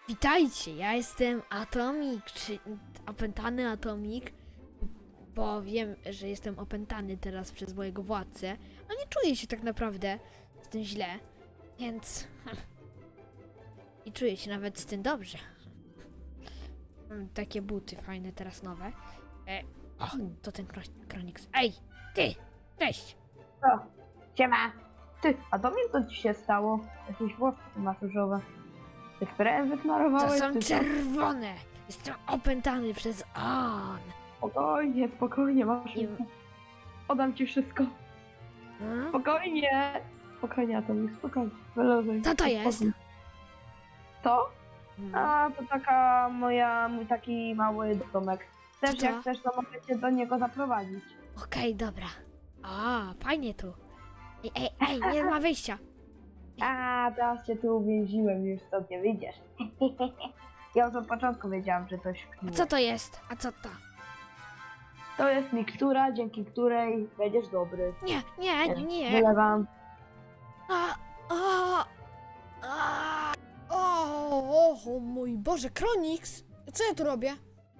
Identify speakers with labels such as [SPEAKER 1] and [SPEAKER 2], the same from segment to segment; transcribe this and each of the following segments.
[SPEAKER 1] Witajcie, ja jestem Atomik, czy opętany Atomik, bo wiem, że jestem opętany teraz przez mojego władcę, a nie czuję się tak naprawdę z tym źle, więc... I czuję się nawet z tym dobrze. Mam takie buty fajne, teraz nowe. O, to ten Kronix. Ej, ty! Cześć!
[SPEAKER 2] Co? Siema! Ty, a to mi co ci się stało? Jakieś włosy masz różowe. Ty sprayem
[SPEAKER 1] To
[SPEAKER 2] wysmarowałeś?
[SPEAKER 1] są
[SPEAKER 2] czy co?
[SPEAKER 1] czerwone! Jestem opętany przez on!
[SPEAKER 2] Spokojnie, spokojnie, masz.
[SPEAKER 1] I...
[SPEAKER 2] Podam ci wszystko.
[SPEAKER 1] Hmm?
[SPEAKER 2] Spokojnie! Spokojnie, Atomi, spokojnie. Wyluzuj.
[SPEAKER 1] Co to jest?
[SPEAKER 2] Spokój. Co?
[SPEAKER 1] Hmm.
[SPEAKER 2] A, to taka mój taki mały domek. Też
[SPEAKER 1] Co to?
[SPEAKER 2] jak chcesz, to mogę cię do niego zaprowadzić.
[SPEAKER 1] Okej, dobra. A, fajnie tu. Ej, nie ma wyjścia.
[SPEAKER 2] A, teraz cię tu uwięziłem, już stąd nie wyjdziesz. Ja już od początku wiedziałam, że coś
[SPEAKER 1] A
[SPEAKER 2] kniło.
[SPEAKER 1] co to jest? A co to?
[SPEAKER 2] To jest mikstura, dzięki której będziesz dobry.
[SPEAKER 1] Nie.
[SPEAKER 2] Wylewam.
[SPEAKER 1] O mój Boże, Kronix! Co ja tu robię?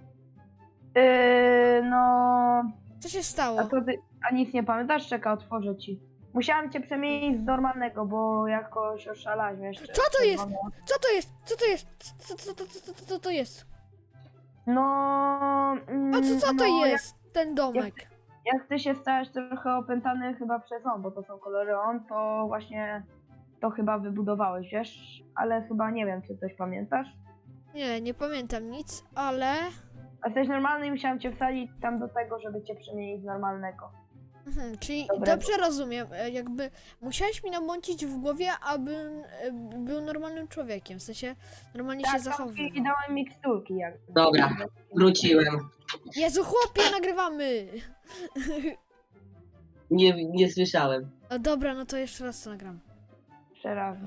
[SPEAKER 2] No...
[SPEAKER 1] Co się stało?
[SPEAKER 2] A nic nie pamiętasz? Czekaj, otworzę ci. Musiałam cię przemienić z normalnego, bo jakoś oszalałaś, wiesz.
[SPEAKER 1] Co to jest? Co to jest? Co to jest? Co to jest?
[SPEAKER 2] No...
[SPEAKER 1] A co to
[SPEAKER 2] no,
[SPEAKER 1] jest? Ten domek.
[SPEAKER 2] Jak ty się stałeś trochę opętany chyba przez on, bo to są kolory on, to właśnie to chyba wybudowałeś, wiesz? Ale chyba nie wiem, czy coś pamiętasz.
[SPEAKER 1] Nie pamiętam nic, ale...
[SPEAKER 2] A jesteś normalny i musiałam cię wsadzić tam do tego, żeby cię przemienić z normalnego.
[SPEAKER 1] Czyli
[SPEAKER 2] Dobrego.
[SPEAKER 1] dobrze rozumiem, jakby musiałeś mi namącić w głowie, abym był normalnym człowiekiem, w sensie normalnie się
[SPEAKER 2] Tak,
[SPEAKER 1] zachowywał.
[SPEAKER 2] i dałem miksturki jak.
[SPEAKER 3] Dobra, wróciłem.
[SPEAKER 1] Jezu, chłopie, nagrywamy!
[SPEAKER 3] Nie słyszałem.
[SPEAKER 1] Dobra, no to jeszcze raz to nagram.
[SPEAKER 2] Jeszcze raz.